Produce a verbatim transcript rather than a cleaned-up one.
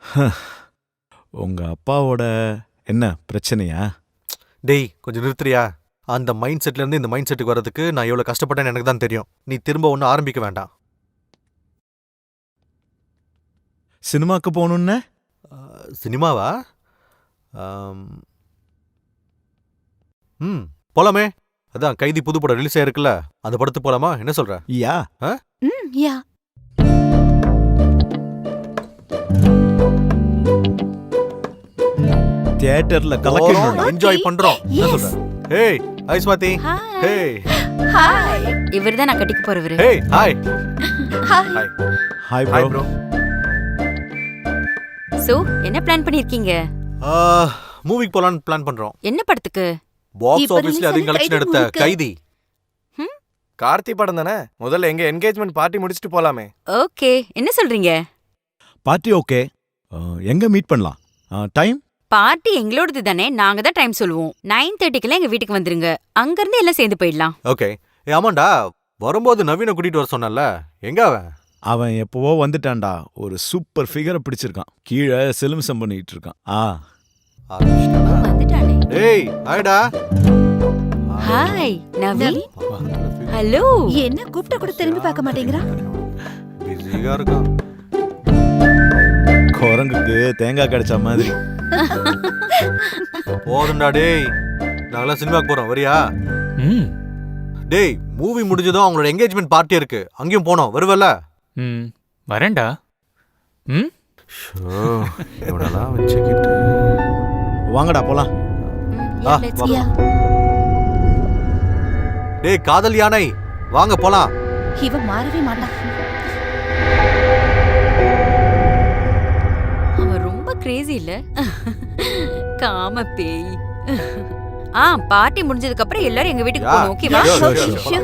உங்க அப்பாவோட என்ன பிரச்சனையா? டேய் கொஞ்சம் நிறுத்துறியா? அந்த மைண்ட் செட்ல இருந்து இந்த மைண்ட் செட்டுக்கு வரதுக்கு நான் எவ்வளவு கஷ்டப்பட்டேன்னு எனக்கு தான் தெரியும். நீ திரும்ப ஒன்றும் ஆரம்பிக்க வேண்டாம். சினிமாக்கு போகணுன்னு? அஹ், சினிமாவா? ஆம், ம் போலாமே. அதான் கைதி புது படம் ரிலீஸ் ஆயிருக்குல்ல, அந்த படத்துக்கு போலாமா? என்ன சொல்ற? யா. ஆ? ம் யா தியேட்டர்ல போறோம், கலக்கணும். என்ஜாய் பண்றோம். என்ன Yes. சொல்ற? Hey hi Swathi. Hey hi இவர்தான் நான் கட்டிக்க போறவரு. Hey hi hi hi hi hi bro. Bro. So என்ன பிளான் பண்ணிருக்கீங்க? மூவிக்கு போலான்னு பிளான் பண்றோம். என்ன படத்துக்கு? பாக்ஸ் இப்ப ஆபீஸ்ல release அதிக ஆன கலெக்ஷன் கைதி எடுத்த movie-க்கு. கைதி. கார்த்தி படம் தானே, முதல்ல எங்க என்கேஜ்மெண்ட் பார்ட்டி முடிச்சிட்டு போலாமே. ஓகே, என்ன சொல்றீங்க? Party okay. எங்க மீட் பண்ணலாம்? டைம்? பார்ட்டி எங்களோடது தானே, நாங்க தான் டைம் சொல்லுவோம். நைன் தேர்ட்டிக்கெல்லாம் எங்க வீட்டுக்கு வந்துருங்க. அங்க இருந்து எல்லாம் சேர்ந்து போயிடலாம். ஓகே. ஏ ஆமாண்டா, வரும்போது நவீன கூட்டிட்டு வர சொன்னல, எங்க அவன்? அவன் எப்பவோ வந்துட்டான்டா. ஒரு சூப்பர் ஃபிகரை பிடிச்சிருக்கான். கீழே சிலுமிசம் பண்ணிட்டு இருக்கான். ஆ ஆரம்பிச்சிட்டானா? வந்துட்டானே. ஏய் ஹாய்டா. ஹாய் நவீன். ஹலோ. என்ன கூப்பிட்ட கூட திரும்பி பார்க்க மாட்டேங்கிறா? பிஸியா இருக்கான். குரங்குக்கு தேங்காய் கிடைச்ச மாதிரி. போதும்டா டேய், நாங்களாம் சினிமாக்கு போறோம், வரியா? ம் டேய் மூவி முடிஞ்சதும் அவங்களோட என்கேஜ்மெண்ட் பார்ட்டி இருக்கு, அங்கேயும் போனோம், வருவல்ல? ம் வரேன்டா. ம் ஷோ எவனலாம் வச்சுக்கிட்டு. வாங்கடா போலாம். ஆ, let's வா. go. யா டேய் காதல் யானை, வாங்க போலாம். இவ மாறவே மாட்டான். அவன் ரொம்ப கிரேசி இல்ல? காம பேய். ஆ பார்ட்டி முடிஞ்சதுக்கு அப்புறம் எல்லாரும் எங்க வீட்டுக்கு யா. போகணும், ஓகேவா? Sure, sure, Okay, sure. sure.